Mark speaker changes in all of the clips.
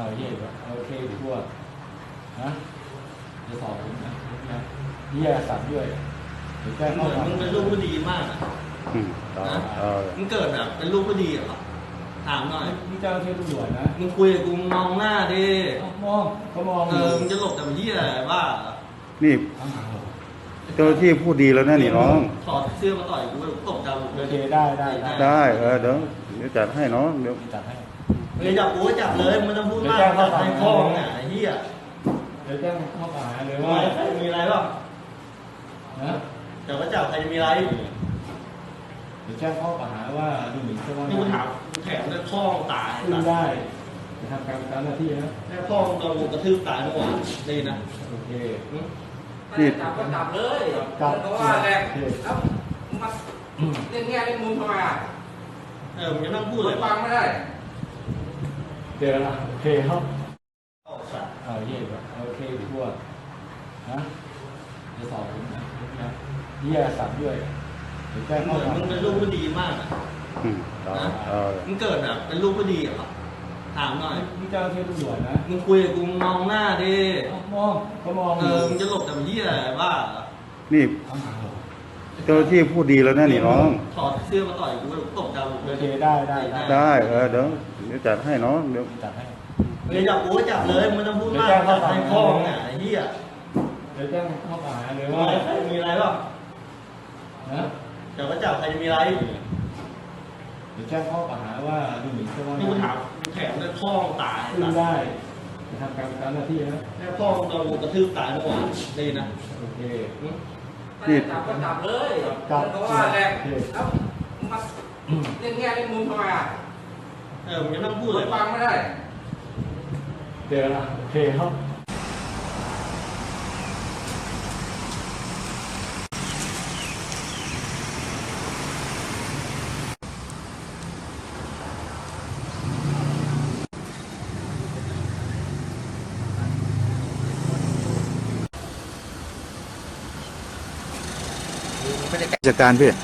Speaker 1: เย่โอเคทั่วนะจะสอบผมนะวิทยาศาสตร์ด้วยเดี๋ยวแจ้ง
Speaker 2: เห
Speaker 1: ข้อ
Speaker 2: มือน
Speaker 1: หา
Speaker 2: มึงเป็นลูกผู้ดีมากอะ
Speaker 3: ต่อ
Speaker 2: นะมึงเกิดแบบเป็นลูกผู้ดีเหรอถามหน่อย
Speaker 1: นี่เจ้าหน้าที่ตำรวจนะ
Speaker 2: มึงคุยกับกูมองหน้าดิ
Speaker 1: มองเขามอง
Speaker 2: มึงจะหลบแต่เหี้ยอะไรบ้าเหรอ
Speaker 3: นี่
Speaker 1: ข้างหลังเหรอ
Speaker 3: เจ้าหน้าที่พูดดีแล้วนะนี่น้อง
Speaker 2: ถอดเสื้อมาต่อยกูตบดาว
Speaker 1: โอเคได้
Speaker 3: ได้เดี๋ยวจัดให้น้องเดี๋ยว
Speaker 1: จัดให้
Speaker 2: มึงจับกูก็จับเลยมึงไม่ต้องพูดมากจับให้พ่อมึงอ่ะไอ้เหี้ย
Speaker 1: เดี๋ยวแจ้งข้อหาเลย
Speaker 2: ทำ
Speaker 1: ว่า
Speaker 2: ไมใครมีอะไรบ้าง
Speaker 1: นะ
Speaker 2: เดี๋ยวก็จับใครจะมีอะไร
Speaker 1: เดี๋ยวแจ้งข้อหาว่าดูหมิ่นเจ้าพนัก
Speaker 2: นี่กู
Speaker 1: งา
Speaker 2: ถาม
Speaker 1: น
Speaker 2: กูแถมด้วยพ่อมึงตาย
Speaker 1: ขึ้นได้จะทำการตามหน้าที่นะ
Speaker 2: แม่พ่อมึงโดนกูกระทืบตายเมื่อวานดีนะ
Speaker 1: โอเค
Speaker 3: นี่
Speaker 4: จับก็จับเลย
Speaker 1: จับ
Speaker 4: เพราะว่าแหละแล้วมาเล่นแง่เล่นมุมทำไมอ่ะ
Speaker 2: มึงจะนั่งพูด
Speaker 4: พู
Speaker 2: เล
Speaker 4: ด
Speaker 2: ย
Speaker 4: ฟังไม่ได้
Speaker 1: เจอละโอเคครับ
Speaker 2: สัตว์
Speaker 1: เย่โอเคทั่วนะจะสอบผมนะวิทยาศาสตร์ด้วยเดี๋ยวแจ้ง
Speaker 2: เห
Speaker 1: ข้อ
Speaker 2: มือน
Speaker 1: หา
Speaker 2: มึงเป็นลูกผู้ดีมากอะ
Speaker 3: ต่อ
Speaker 2: มึงเกิดแบบเป็นลูกผู้ดีเหรอถามหน่อย
Speaker 1: นี่เจ้าหน้าที่ตำรวจนะ
Speaker 2: มึงคุยกับกูมองหน้าดิ
Speaker 1: มองเขามอง
Speaker 2: มึงจะหลบแต่เหี้ยอะไรบ้าเหรอ
Speaker 3: นี่
Speaker 1: ข้างหลังเหรอ
Speaker 3: เจ้าหน้าที่พูดดีแล้วนะนี่น้อง
Speaker 2: ถอดเสื้อมาต่อยกูตบดาว
Speaker 1: โอเคได้
Speaker 3: ได้เดี๋ยวจัดให้น้องเดี๋ยว
Speaker 1: จัดให้
Speaker 2: มึงจับกูก็จับเลยมึงไม่ต้องพูดมากจับให้พ่อมึงอ่ะไอ้เหี้ย
Speaker 1: เดี๋ยวแจ้งข้อหาเลย
Speaker 2: ทำ
Speaker 1: ว่า
Speaker 2: ไมใครมีอะไรบ้าง
Speaker 1: นะ
Speaker 2: เดี๋ยวก็จับใครจะมีอะไร
Speaker 1: เดี๋ยวแจ้งข้อหาว่าดูหมิ่นเจ้าพนัก
Speaker 2: นี่กู
Speaker 1: งา
Speaker 2: ถาน มกูแถมด้วยพ่อมึงตาย
Speaker 1: ขึ้นได้จะทำการตามหน้าที่นะ
Speaker 2: แม่พ่อมึงโดนกูกระทืบตายเมื่อวานดีนะ
Speaker 1: โอเค
Speaker 4: จับก็จับเลยเพราะว่าแหละแล้วมาเล่นแง่เล่นมุมทำไมอ่ะ
Speaker 2: มึงจะนั่งพู
Speaker 4: พู
Speaker 2: ด
Speaker 4: ด
Speaker 2: เลย
Speaker 4: ฟังไม่ได้
Speaker 1: เจอละโอเคครับ
Speaker 3: จัดการพี่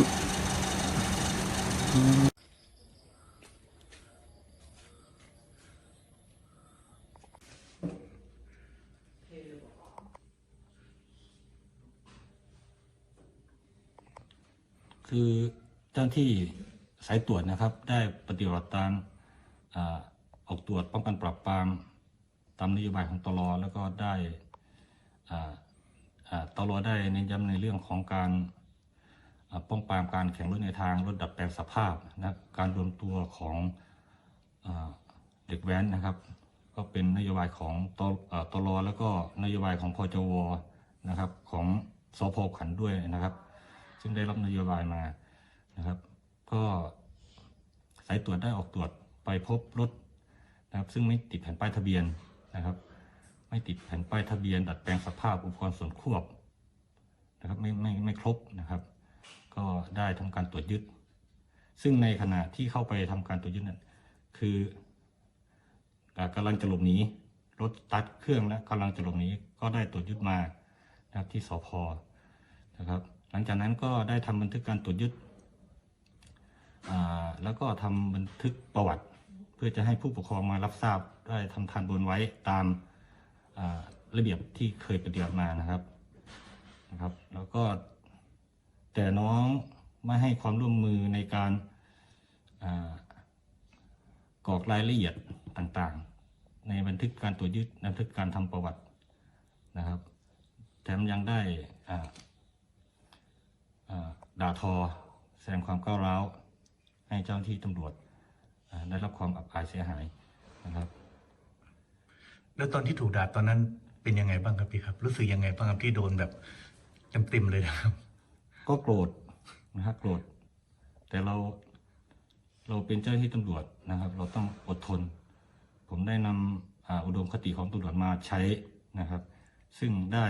Speaker 1: คือเจ้าหน้าที่สายตรวจนะครับ ได้ปฏิบัติตามออกตรวจป้องกันปราบปรามตามนโยบายของตลแล้วก็ได้ตลได้เน้นย้ำในเรื่องของการป้องปรามการแข่งรถในทางรถดัดแปลงสภาพนะการรวมตัวของเด็กแว้นนะครับ ก็เป็นนโยบายของตลแล้วก็นโยบายของพจวนะครับของสพขันธ์ด้วยนะครับ ซึ่งได้รับนโยบายมานะครับ ก็สายตรวจได้ออกตรวจไปพบรถนะครับซึ่งไม่ติดแผ่นป้ายทะเบียนนะครับ ไม่ติดแผ่นป้ายทะเบียนดัดแปลงสภาพอุปกรณ์ส่วนควบนะครับไม่ครบนะครับ ก็ได้ทำการตรวจยึดซึ่งในขณะที่เข้าไปทำการตรวจยึดนั้นคือกำลังจะหลบหนีรถตัดเครื่องและกำลังจะหลบหนีก็ได้ตรวจยึดมานะครับที่สพนะครับหลังจากนั้นก็ได้ทำบันทึกการตรวจยึดแล้วก็ทำบันทึกประวัติเพื่อจะให้ผู้ปกครองมารับทราบได้ทำทันบนไว้ตามระเบียบที่เคยปฏิบัติมานะครับแล้วก็แต่น้องไม่ให้ความร่วมมือในการกรอกรายละเอียดต่างๆในบันทึกการตรวจยึดบันทึกการทำประวัตินะครับแถมยังได้ด่าทอแสดงความก้าวร้าวให้เจ้าหน้าที่ตำรวจได้รับความอับอายเสียหายนะครับ
Speaker 5: แล้วตอนที่ถูกด่าตอนนั้นเป็นยังไงบ้างครับพี่ครับ รู้สึกยังไงบ้างครับที่โดนแบบเต็มๆเลยนะครับ
Speaker 1: ก็โกรธนะครับโกรธแต่เราเป็นเจ้าหน้าที่ตำรวจนะครับ เราต้องอดทน ผมได้นำอุดมคติของตำรวจมาใช้นะครับ ซึ่งได้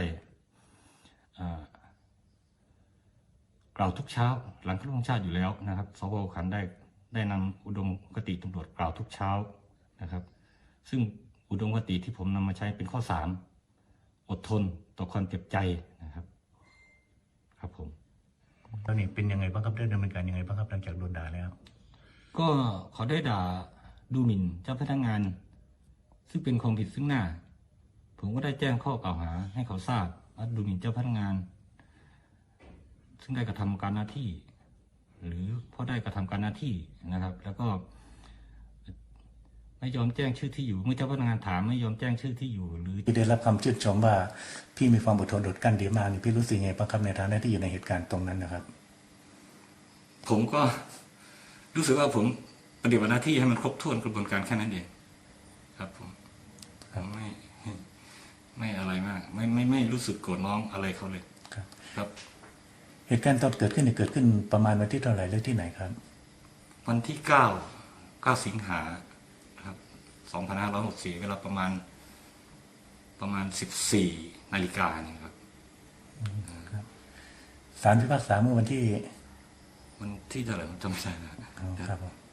Speaker 1: กล่าวทุกเช้าหลังเคารพธงชาติอยู่แล้วนะครับสพขันธ์ได้นำอุดมคติตำรวจกล่าวทุกเช้านะครับ ซึ่งอุดมคติที่ผมนำมาใช้เป็นข้อ3อดทนต่อความเจ็บใจนะครับครับผม
Speaker 5: แล้วนี่เป็นยังไงบ้างครับได้ดำเนินการยังไงบ้างครับหลังจากโดนด่าแล้ว
Speaker 1: ก็เขาได้ด่าดูหมิ่นเจ้าพนักงานซึ่งเป็นความผิดซึ่งหน้า ผมก็ได้แจ้งข้อกล่าวหาให้เขาทราบว่าดูหมิ่นเจ้าพนักงาน ซึ่งได้กระทำการหน้าที่ หรือเพราะได้กระทำการหน้าที่นะครับ แล้วก็ไม่ยอมแจ้งชื่อที่อยู่เมื่อเจ้าพนักงานถามไม่ยอมแจ้งชื่อที่อยู่ หรือ
Speaker 5: พี่ได้รับคำชื่นชมว่าพี่มีความอดทนอดกลั้นดีมากนี่พี่รู้สึกไงบ้างครับในฐานะที่อยู่ในเหตุการณ์ตรงนั้นนะครับ
Speaker 1: ผมก็รู้สึกว่าผมปฏิบัติหน้าที่ให้มันครบถ้วนกระบวนการแค่นั้นเองครับผมไม่อะไรมาก ไม่รู้สึกโกรธน้องอะไรเขาเลย
Speaker 5: ครับ
Speaker 1: ครับ
Speaker 5: เหตุการณ์ตอนเกิดขึ้นเนี่ยเกิดขึ้นประมาณวันที่เท่าไหร่และที่ไหนครับ
Speaker 1: วันที่9 สิงหาครับ2564เวลาประมาณ14 นาฬิกาเนี่ยครับ
Speaker 5: ศาลพิพากษาเมื่อวันที่
Speaker 1: วันที่เท่าไหร่ผมจำไม่ได้แล้ว
Speaker 5: ครับผม